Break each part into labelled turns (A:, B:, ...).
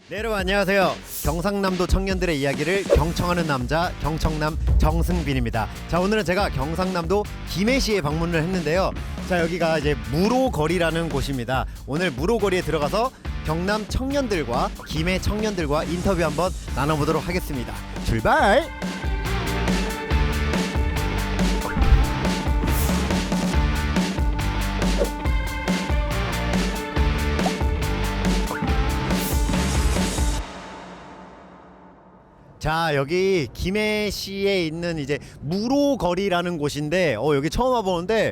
A: 네, 여러분 안녕하세요. 경상남도 청년들의 이야기를 경청하는 남자 경청남 정승빈입니다. 자, 오늘은 제가 경상남도 김해시에 방문을 했는데요. 자, 여기가 이제 무로거리라는 곳입니다. 오늘 무로거리에 들어가서 경남 청년들과 김해 청년들과 인터뷰 한번 나눠보도록 하겠습니다. 출발! 자, 여기 김해시에 있는 이제 무로거리라는 곳인데 여기 처음 와보는데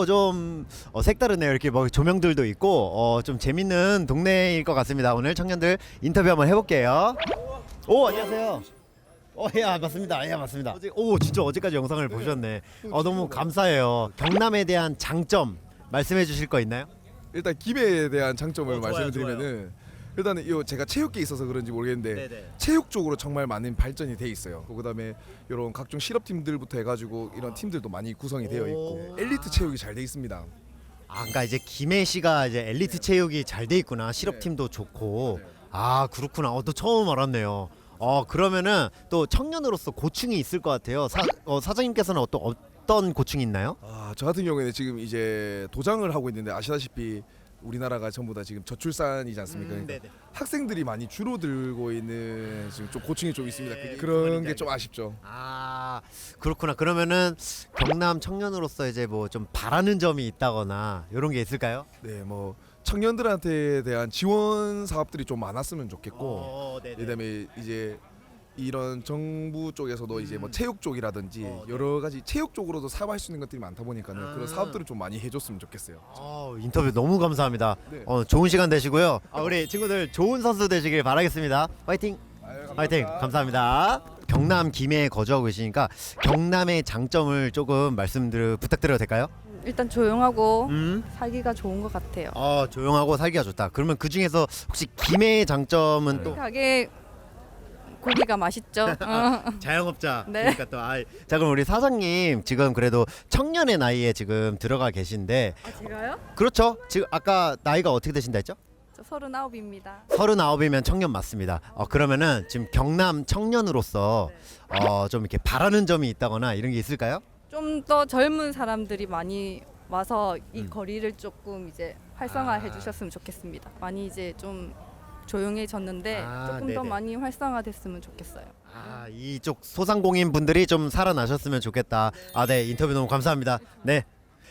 A: 좀 색다르네요. 이렇게 뭐 조명들도 있고 좀 재밌는 동네일 것 같습니다. 오늘 청년들 인터뷰 한번 해볼게요. 오, 안녕하세요. 예, 맞습니다. 예, 맞습니다. 진짜 어제까지 영상을 보셨네. 너무 감사해요. 경남에 대한 장점 말씀해 주실 거 있나요?
B: 일단 김해에 대한 장점을
A: 좋아요,
B: 말씀을 드리면은 일단은 이 제가 체육계에 있어서 그런지 모르겠는데
A: 네네.
B: 체육 쪽으로 정말 많은 발전이 돼 있어요. 그다음에 이런 각종 실업팀들부터 해가지고 이런 팀들도 많이 구성이 되어 있고 엘리트 체육이 잘 돼 있습니다.
A: 그러니까 이제 김해시가 이제 엘리트 체육이 잘 돼 있구나. 실업팀도 좋고. 그렇구나. 또 처음 알았네요. 그러면은 또 청년으로서 고충이 있을 것 같아요. 사장님께서는 어떤 고충이 있나요?
B: 저 같은 경우에는 지금 이제 도장을 하고 있는데 아시다시피 우리나라가 전부 다 지금 저출산이지 않습니까? 그러니까
A: 네네.
B: 학생들이 많이 줄어들고 있는 지금 좀 고충이 좀 있습니다.
A: 네,
B: 그런 게 좀 아쉽죠.
A: 그렇구나. 그러면은 경남 청년으로서 이제 뭐 좀 바라는 점이 있다거나 이런 게 있을까요?
B: 네, 뭐 청년들한테 대한 지원 사업들이 좀 많았으면 좋겠고,
A: 네네.
B: 그다음에 이제 이런 정부 쪽에서도 이제 뭐 체육 쪽이라든지
A: 네.
B: 여러 가지 체육 쪽으로도 사업할 수 있는 것들이 많다 보니까는
A: 아.
B: 그런 사업들을 좀 많이 해줬으면 좋겠어요.
A: 인터뷰 너무 감사합니다.
B: 네.
A: 좋은 시간 되시고요. 우리 친구들 좋은 선수 되시길 바라겠습니다. 파이팅!
B: 아유,
A: 파이팅! 감사합니다. 경남 김해에 거주하고 계시니까 경남의 장점을 조금 부탁드려도 될까요?
C: 일단 조용하고 살기가 좋은 것 같아요.
A: 조용하고 살기가 좋다. 그러면 그 중에서 혹시 김해의 장점은 또
C: 가게 고기가 맛있죠.
A: 자영업자.
C: 네.
A: 그러니까 자, 그럼 우리 사장님 지금 그래도 청년의 나이에 지금 들어가 계신데
C: 제가요?
A: 그렇죠? 지금 아까 나이가 어떻게 되신다 했죠?
C: 저 39입니다.
A: 39이면 청년 맞습니다. 그러면은 지금 경남 청년으로서 좀 이렇게 바라는 점이 있다거나 이런 게 있을까요?
C: 좀 더 젊은 사람들이 많이 와서 이 거리를 조금 이제 활성화해 주셨으면 좋겠습니다. 많이 이제 좀 조용해졌는데 조금 더
A: 네네.
C: 많이 활성화됐으면 좋겠어요.
A: 이쪽 소상공인 분들이 좀 살아나셨으면 좋겠다. 네, 인터뷰 너무 감사합니다. 네,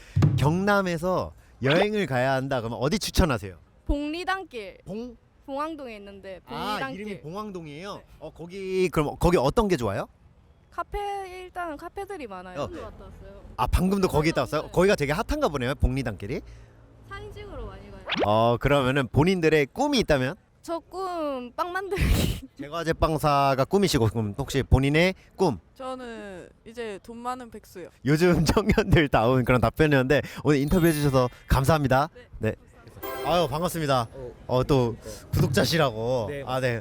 A: 경남에서 여행을 가야 한다. 그러면 어디 추천하세요?
D: 봉리단길
A: 봉?
D: 봉황동에 있는데 봉리단길
A: 이름이 봉황동이에요. 거기 어떤 게 좋아요?
D: 카페 일단은 카페들이 많아요.
A: 네.
D: 갔다 왔어요.
A: 방금도 거기 있다 왔어요? 거기가 되게 핫한가 보네요. 봉리단길이.
D: 사진 찍으러 많이 가요.
A: 그러면은 본인들의 꿈이 있다면?
D: 저 꿈 빵 만들기.
A: 제과제 빵사가 꿈이시고 그럼 혹시 본인의 꿈?
E: 저는 이제 돈 많은 백수요.
A: 요즘 청년들 다운 그런 답변이었는데 오늘 인터뷰해 주셔서 감사합니다. 네. 반갑습니다. 또 구독자시라고.
F: 네.
A: 네.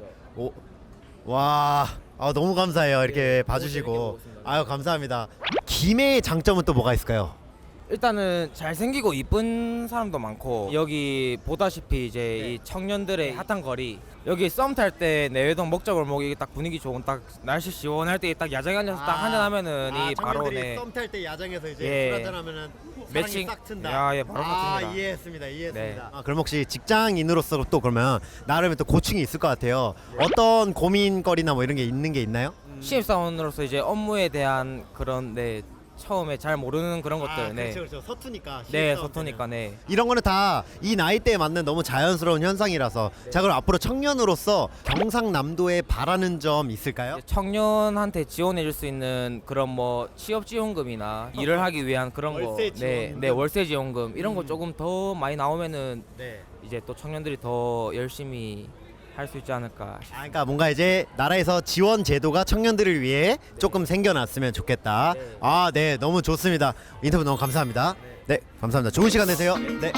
A: 와. 너무 감사해요. 이렇게 봐주시고. 감사합니다. 김해의 장점은 또 뭐가 있을까요?
F: 일단은 잘생기고 이쁜 사람도 많고 여기 보다시피 이제 이 청년들의 핫한 거리 여기 썸 탈 때 내외동 먹자골목이 딱 분위기 좋은 딱 날씨 시원할 때 딱 야장에 앉아서 딱 한잔 하면은 이 바로
A: 청년들이 썸 탈 때 야장에서 이제
F: 예.
A: 술 한잔 하면은
F: 매칭.
A: 사랑이 싹 튼다.
F: 예, 바로 맞습니다.
A: 이해했습니다.
F: 네.
A: 그럼 혹시 직장인으로서 또 그러면 나름의 또 고충이 있을 것 같아요. 어떤 고민거리나 뭐 이런 게 있는 게 있나요?
F: 신입사원으로서 이제 업무에 대한 그런 처음에 잘 모르는 그런 것들
A: 그렇죠. 서투니까.
F: 네 서투니까
A: 이런 거는 다 이 나이대에 맞는 너무 자연스러운 현상이라서. 자, 그럼 앞으로 청년으로서 경상남도에 바라는 점 있을까요?
F: 청년한테 지원해 줄 수 있는 그런 뭐 취업 지원금이나 일을 하기 위한 그런
A: 월세
F: 거
A: 지원금.
F: 월세 지원금 이런 거 조금 더 많이 나오면은
A: 네.
F: 이제 또 청년들이 더 열심히 할 수 있지 않을까.
A: 그러니까 뭔가 이제 나라에서 지원 제도가 청년들을 위해 조금 생겨났으면 좋겠다. 네, 너무 좋습니다. 인터뷰 너무 감사합니다. 네, 감사합니다. 좋은 시간 되세요. 네.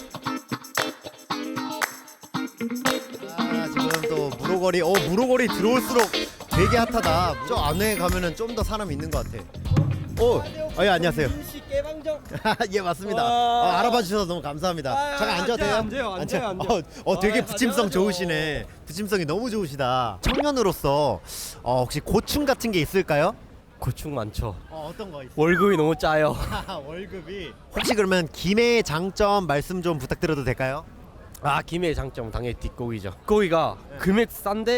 A: 지금 또 무로거리 들어올수록 되게 핫하다. 저 안에 가면은 좀 더 사람 있는 것 같아. 예, 안녕하세요. 예 맞습니다.
G: 와.
A: 알아봐 주셔서 너무 감사합니다. 잠깐 앉아도 돼요?
G: 앉아요.
A: 되게 붙임성
G: 당연하죠.
A: 좋으시네. 붙임성이 너무 좋으시다. 청년으로서 혹시 고충 같은 게 있을까요?
G: 고충 많죠.
A: 어떤 거 있어요?
G: 월급이 너무 짜요.
A: 월급이 혹시 그러면 김해의 장점 말씀 좀 부탁드려도 될까요?
G: 아, 김해의 장점은 당연히 뒷고기죠. 고기가 금액 싼데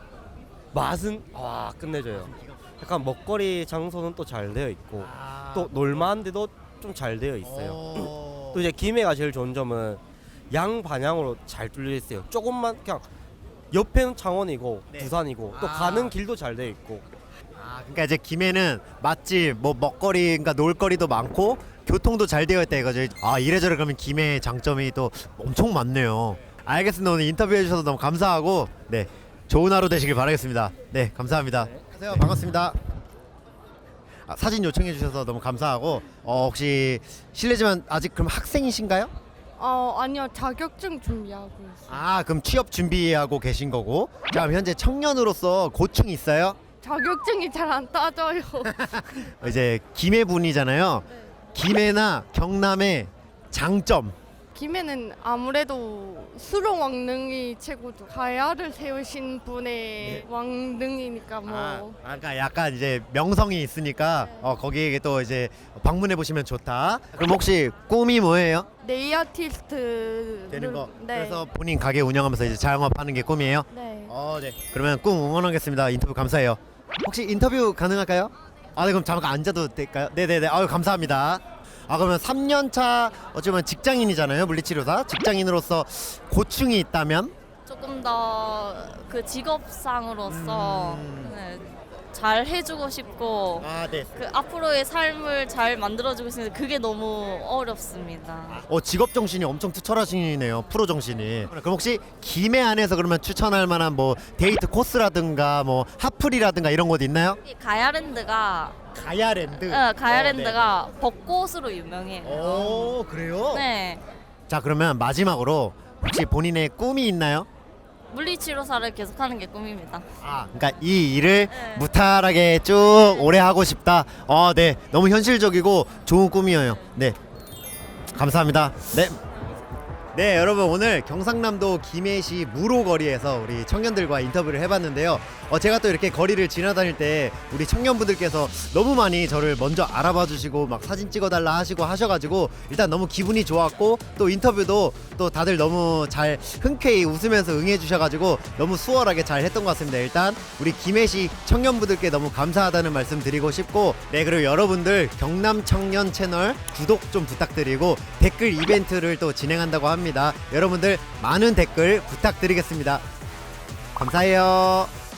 G: 맛은 와 끝내줘요. 약간 먹거리 장소는 또 잘 되어 있고 또 놀만한데도 좀 잘 되어 있어요. 또 이제 김해가 제일 좋은 점은 양 반향으로 잘 뚫려 있어요. 조금만 그냥 옆에는 창원이고
A: 네.
G: 부산이고 또
A: 아.
G: 가는 길도 잘 되어 있고.
A: 그러니까 이제 김해는 맛집, 뭐 먹거리, 그러니까 놀거리도 많고 교통도 잘 되어 있다 이거죠. 이래저래 그러면 김해의 장점이 또 엄청 많네요. 알겠습니다. 오늘 인터뷰해 주셔서 너무 감사하고 네 좋은 하루 되시길 바라겠습니다. 네 감사합니다. 안녕하세요. 반갑습니다. 사진 요청해 주셔서 너무 감사하고 혹시 실례지만 아직 그럼 학생이신가요?
D: 아니요, 자격증 준비하고 있어요.
A: 그럼 취업 준비하고 계신 거고. 자 그럼 현재 청년으로서 고충이 있어요?
D: 자격증이 잘 안 따져요.
A: 이제 김해 분이잖아요. 김해나 경남의 장점.
D: 김해는 아무래도 수롱 왕릉이 최고죠. 가야를 세우신 분의 왕릉이니까 뭐.
A: 그러니까 약간 이제 명성이 있으니까 거기에 또 이제 방문해 보시면 좋다. 그럼 혹시 꿈이 뭐예요?
D: 네일 아티스트
A: 되는 거.
D: 네.
A: 그래서 본인 가게 운영하면서 이제 자영업하는 게 꿈이에요?
D: 네.
A: 네. 그러면 꿈 응원하겠습니다. 인터뷰 감사해요. 혹시 인터뷰 가능할까요? 네 그럼 잠깐 앉아도 될까요? 네네네. 감사합니다. 그러면 3년차 어쩌면 직장인이잖아요. 물리치료사. 직장인으로서 고충이 있다면?
H: 조금 더 그 직업상으로서 네, 잘 해주고 싶고
A: 네.
H: 그 앞으로의 삶을 잘 만들어주고 싶은데 그게 너무 어렵습니다.
A: 직업 정신이 엄청 투철하시네요. 프로 정신이. 그럼 혹시 김해 안에서 그러면 추천할 만한 뭐 데이트 코스라든가 뭐 핫플이라든가 이런 곳 있나요?
H: 가야랜드가
A: 가야랜드.
H: 가야랜드가 벚꽃으로 유명해요.
A: 그래요?
H: 네,
A: 자 그러면 마지막으로 혹시 본인의 꿈이 있나요?
H: 물리치료사를 계속하는 게 꿈입니다.
A: 그러니까 이 일을
H: 네.
A: 무탈하게 쭉 오래 하고 싶다. 네, 너무 현실적이고 좋은 꿈이에요. 네, 감사합니다. 네, 여러분 오늘 경상남도 김해시 무로거리에서 우리 청년들과 인터뷰를 해봤는데요. 제가 또 이렇게 거리를 지나다닐 때 우리 청년분들께서 너무 많이 저를 먼저 알아봐 주시고 막 사진 찍어달라 하시고 하셔가지고 일단 너무 기분이 좋았고 또 인터뷰도 또 다들 너무 잘 흔쾌히 웃으면서 응해 주셔가지고 너무 수월하게 잘 했던 것 같습니다. 일단 우리 김해시 청년분들께 너무 감사하다는 말씀 드리고 싶고 그리고 여러분들 경남 청년 채널 구독 좀 부탁드리고 댓글 이벤트를 또 진행한다고 합니다. 여러분들 많은 댓글 부탁드리겠습니다. 감사해요.